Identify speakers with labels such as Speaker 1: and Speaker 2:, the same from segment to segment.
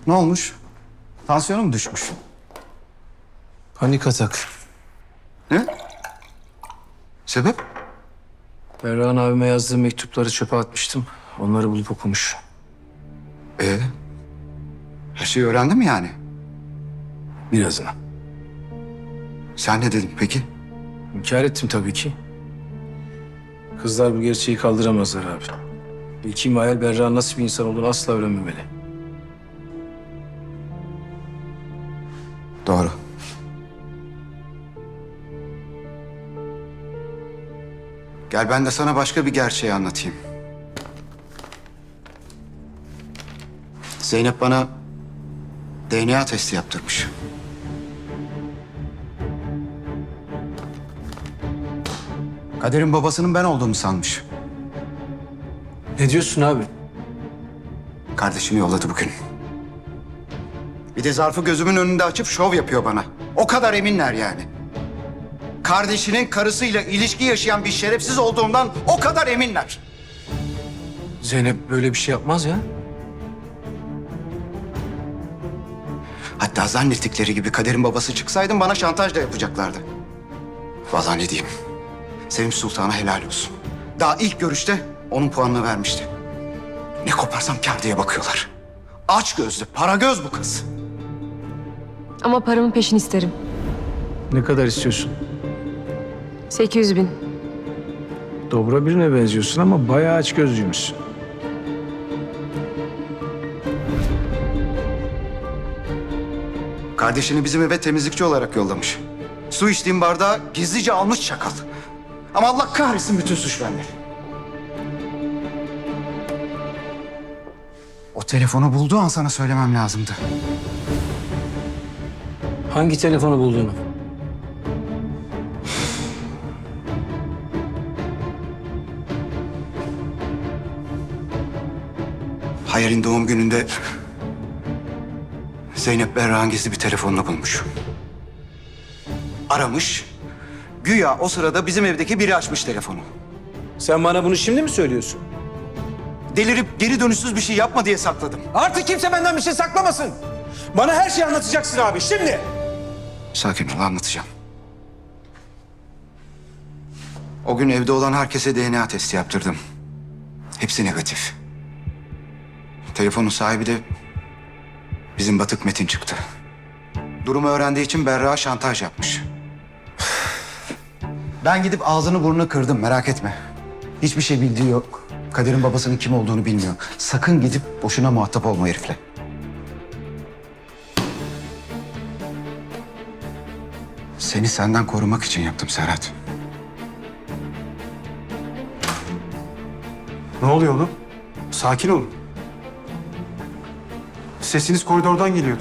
Speaker 1: Ne olmuş? Tansiyonu mu düşmüş?
Speaker 2: Panik atak.
Speaker 1: Ne? Sebep?
Speaker 2: Berra'nın abime yazdığı mektupları çöpe atmıştım. Onları bulup okumuş.
Speaker 1: Her şeyi öğrendin mi yani?
Speaker 2: Birazını.
Speaker 1: Sen ne dedin peki?
Speaker 2: İnkar ettim tabii ki. Kızlar bu gerçeği kaldıramazlar abi. İlkim hayal Berra'nın nasıl bir insan olduğunu asla öğrenmemeli.
Speaker 1: Doğru. Gel ben de sana başka bir gerçeği anlatayım. Zeynep bana DNA testi yaptırmış. Kader'in babasının ben olduğumu sanmış.
Speaker 2: Ne diyorsun abi?
Speaker 1: Kardeşini yolladı bugün. Bir de zarfı gözümün önünde açıp şov yapıyor bana. O kadar eminler yani. Kardeşinin karısıyla ilişki yaşayan bir şerefsiz olduğumdan o kadar eminler.
Speaker 2: Zeynep böyle bir şey yapmaz ya.
Speaker 1: Hatta zannettikleri gibi Kader'in babası çıksaydım bana şantaj da yapacaklardı. Vallahi ne diyeyim. Sevinç Sultan'a helal olsun. Daha ilk görüşte onun puanını vermişti. Ne koparsam kâr diye bakıyorlar. Aç gözlü, para göz bu kız.
Speaker 3: Ama paramın peşini isterim.
Speaker 2: Ne kadar istiyorsun?
Speaker 3: 800.000.
Speaker 2: Dobra birine benziyorsun ama bayağı açgözlüymüşsün.
Speaker 1: Kardeşini bizim eve temizlikçi olarak yollamış. Su içtiğim bardağı gizlice almış çakal. Ama Allah kahretsin bütün suç bende. O telefonu bulduğu an sana söylemem lazımdı.
Speaker 2: Hangi telefonu bulduğunu?
Speaker 1: Hayal'in doğum gününde Zeynep Berra'nın gizli bir telefonunu bulmuş. Aramış. Güya o sırada bizim evdeki biri açmış telefonu.
Speaker 2: Sen bana bunu şimdi mi söylüyorsun?
Speaker 1: Delirip geri dönüşsüz bir şey yapma diye sakladım.
Speaker 4: Artık kimse benden bir şey saklamasın. Bana her şeyi anlatacaksın abi şimdi.
Speaker 1: Sakin ol, anlatacağım. O gün evde olan herkese DNA testi yaptırdım. Hepsi negatif. Telefonun sahibi de bizim Batık Metin çıktı. Durumu öğrendiği için Berra şantaj yapmış. Ben gidip ağzını burnunu kırdım, merak etme. Hiçbir şey bildiği yok. Kader'in babasının kim olduğunu bilmiyor. Sakın gidip boşuna muhatap olma herifle. Seni senden korumak için yaptım Serhat.
Speaker 4: Ne oluyor oğlum? Sakin olun. Sesiniz koridordan geliyordu.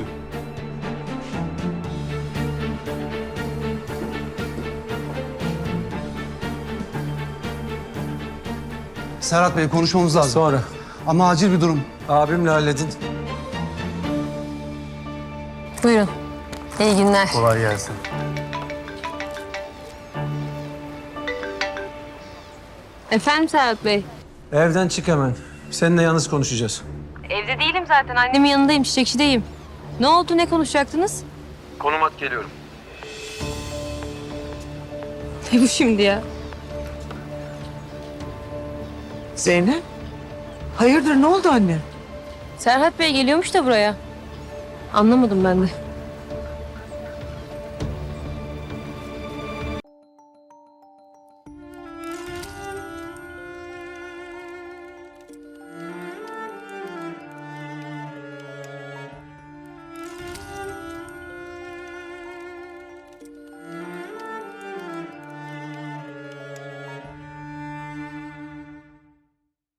Speaker 5: Serhat Bey konuşmamız lazım.
Speaker 2: Sonra.
Speaker 5: Ama acil bir durum.
Speaker 2: Abimle halledin.
Speaker 3: Buyurun. İyi günler.
Speaker 4: Kolay gelsin.
Speaker 3: Efendim Serhat Bey?
Speaker 2: Evden çık hemen. Seninle yalnız konuşacağız.
Speaker 3: Evde değilim zaten. Annemin yanındayım, çiçekçideyim. Ne oldu, ne konuşacaktınız?
Speaker 2: Konum at, geliyorum.
Speaker 3: Ne bu şimdi ya?
Speaker 6: Zeynep, hayırdır ne oldu anne?
Speaker 3: Serhat Bey geliyormuş da buraya. Anlamadım ben de.